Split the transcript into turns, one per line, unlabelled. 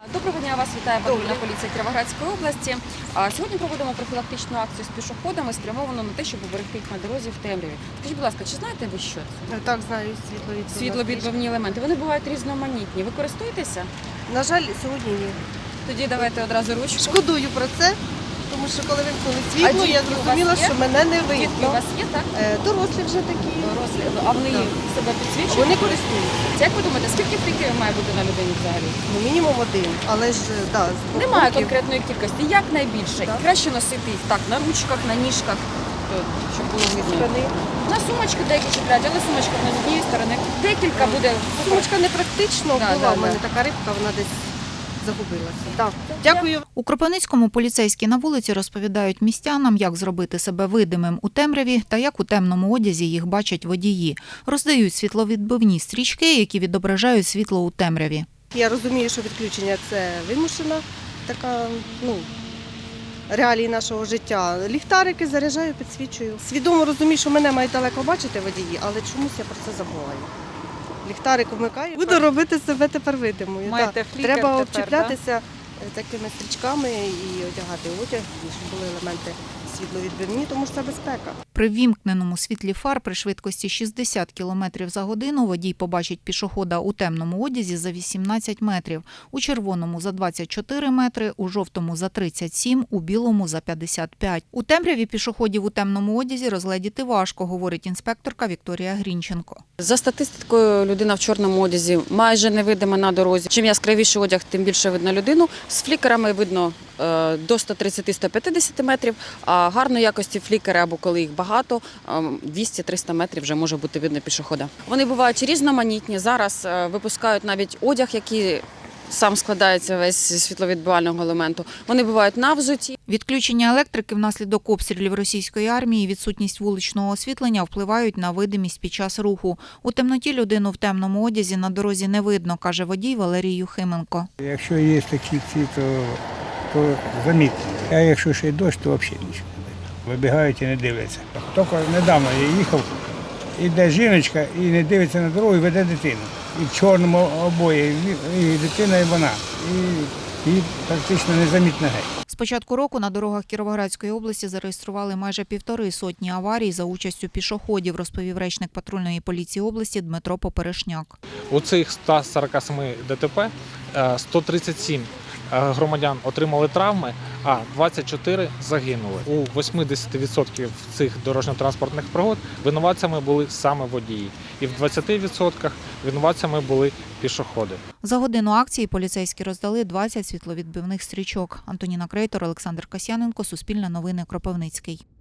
Доброго дня, вас вітає патрульна поліція Кіровоградської області. Сьогодні проводимо профілактичну акцію з пішоходами, спрямовану на те, щоб уберегти їх на дорозі в темряві. Скажіть, будь лака, чи знаєте ви що це?
Так, знаю,
Світловідбивні елементи. Вони бувають різноманітні. Ви користуєтеся?
На жаль, сьогодні ні.
Тоді давайте одразу ручку.
Шкодую про це, тому що коли вимкнули світло, я зрозуміла, що мене не
Дітки у
видно.
вас є, так?
Дорослі вже такі.
Дорослі. А вони себе підсвічують?
Вони користуються.
Як ви думаєте, скільки флікерів має бути на людині взагалі?
Ну, мінімум один, але ж, да, з двох
Немає
боків.
конкретної кількості. Як найбільше?
Так.
Краще носити їх так, на ручках, на ніжках, щоб було видно.
Штани.
На сумочки деякі чіпляють, але сумочка не з однієї сторони. Декілька буде.
Сумочка не практично,
Да,
була
да,
в мене
да.
така рибка, вона десь загубилася. Так. Дякую.
У Кропивницькому поліцейські на вулиці розповідають містянам, як зробити себе видимим у темряві та як у темному одязі їх бачать водії. Роздають світловідбивні стрічки, які відображають світло у темряві.
Я розумію, що відключення – це вимушена така, реалії нашого життя. Ліхтарики заряджаю, підсвічую. Свідомо розумію, що мене мають далеко бачити водії, але чомусь я про це забуваю. Ліхтарик вмикаю. Буду робити себе тепер видимою.
Маєте флікер
Треба
тепер,
обчіплятися такими стрічками і одягати одяг, і щоб були елементи світловідбивні, тому що це безпека.
При ввімкненому світлі фар при швидкості 60 км за годину водій побачить пішохода у темному одязі за 18 метрів, у червоному за 24 метри, у жовтому за 37, у білому за 55. У темряві пішоходів у темному одязі розгледіти важко, говорить інспекторка Вікторія Грінченко.
За статистикою, людина в чорному одязі майже невидима на дорозі. Чим яскравіший одяг, тим більше видно людину. З флікерами видно до 130-150 метрів, а гарної якості флікери, або коли їх багато, 200-300 метрів вже може бути видно пішохода. Вони бувають різноманітні. Зараз випускають навіть одяг, який сам складається весь зі світловідбивального елементу. Вони бувають на взуті.
Відключення електрики внаслідок обстрілів російської армії і відсутність вуличного освітлення впливають на видимість під час руху. У темноті людину в темному одязі на дорозі не видно, каже водій Валерій Юхименко.
Якщо є такі ці, то замітно. А якщо ще й дощ, то взагалі нічого не видно. Вибігають і не дивляться. Тільки недавно я їхав, іде жіночка і не дивиться на дорогу, і веде дитину. І в чорному обої, і дитина, і вона. І її практично незамітно геть.
З початку року на дорогах Кіровоградської області зареєстрували майже 150 аварій за участю пішоходів, розповів речник патрульної поліції області Дмитро Поперешняк.
У цих 147 ДТП 137 громадян отримали травми, а 24 загинули. У 80% цих дорожньо-транспортних пригод винуватцями були саме водії. І в 20% винуватцями були пішоходи.
За годину акції поліцейські роздали 20 світловідбивних стрічок. Антоніна Крейтор, Олександр Касьяненко, Суспільне новини, Кропивницький.